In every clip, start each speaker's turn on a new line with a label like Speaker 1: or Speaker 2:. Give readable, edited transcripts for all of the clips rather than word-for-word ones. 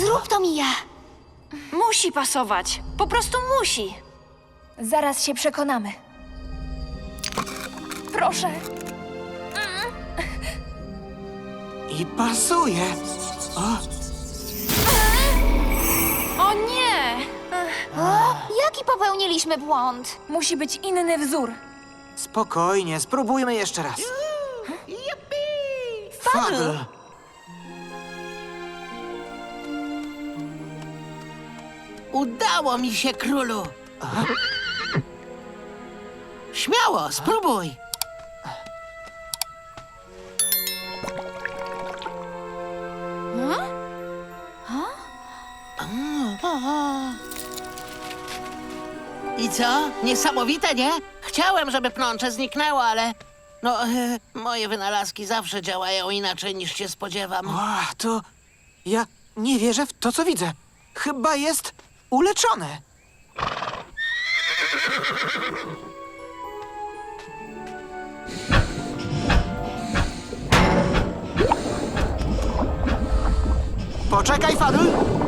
Speaker 1: Zrób to, Mija.
Speaker 2: Musi pasować. Po prostu musi.
Speaker 3: Zaraz się przekonamy. Proszę.
Speaker 4: I pasuje.
Speaker 2: O nie!
Speaker 1: O, jaki popełniliśmy błąd?
Speaker 3: Musi być inny wzór.
Speaker 4: Spokojnie, spróbujmy jeszcze raz. Fadl!
Speaker 5: Udało mi się, królu. Śmiało, spróbuj. I co? Niesamowite, nie? Chciałem, żeby pnącze zniknęło, ale... No, moje wynalazki zawsze działają inaczej, niż się spodziewam.
Speaker 4: O, to... Ja nie wierzę w to, co widzę. Chyba jest uleczone. Poczekaj, Fadl!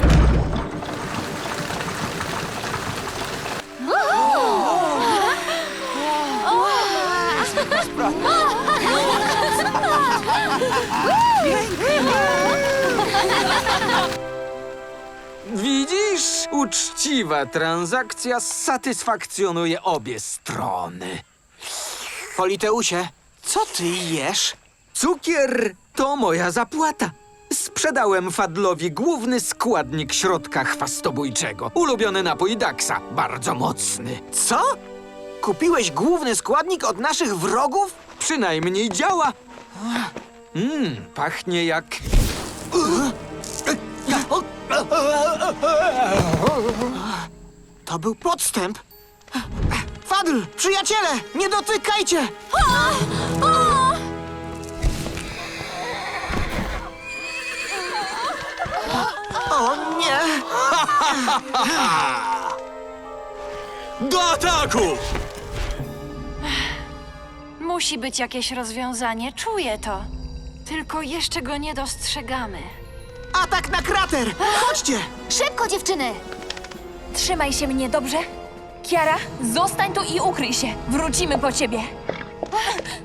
Speaker 6: Widzisz? Uczciwa transakcja satysfakcjonuje obie strony.
Speaker 4: Politeusie, co ty jesz?
Speaker 6: Cukier to moja zapłata. Sprzedałem Fadlowi główny składnik środka chwastobójczego. Ulubiony napój Daxa, bardzo mocny.
Speaker 4: Co? Kupiłeś główny składnik od naszych wrogów?
Speaker 6: Przynajmniej działa. Pachnie jak...
Speaker 4: To był podstęp. Fadl, przyjaciele, nie dotykajcie! O nie!
Speaker 6: Do ataku!
Speaker 2: Musi być jakieś rozwiązanie, czuję to. Tylko jeszcze go nie dostrzegamy.
Speaker 4: Atak na krater! Chodźcie!
Speaker 1: Szybko, dziewczyny!
Speaker 3: Trzymaj się mnie, dobrze? Kiara, zostań tu i ukryj się. Wrócimy po ciebie.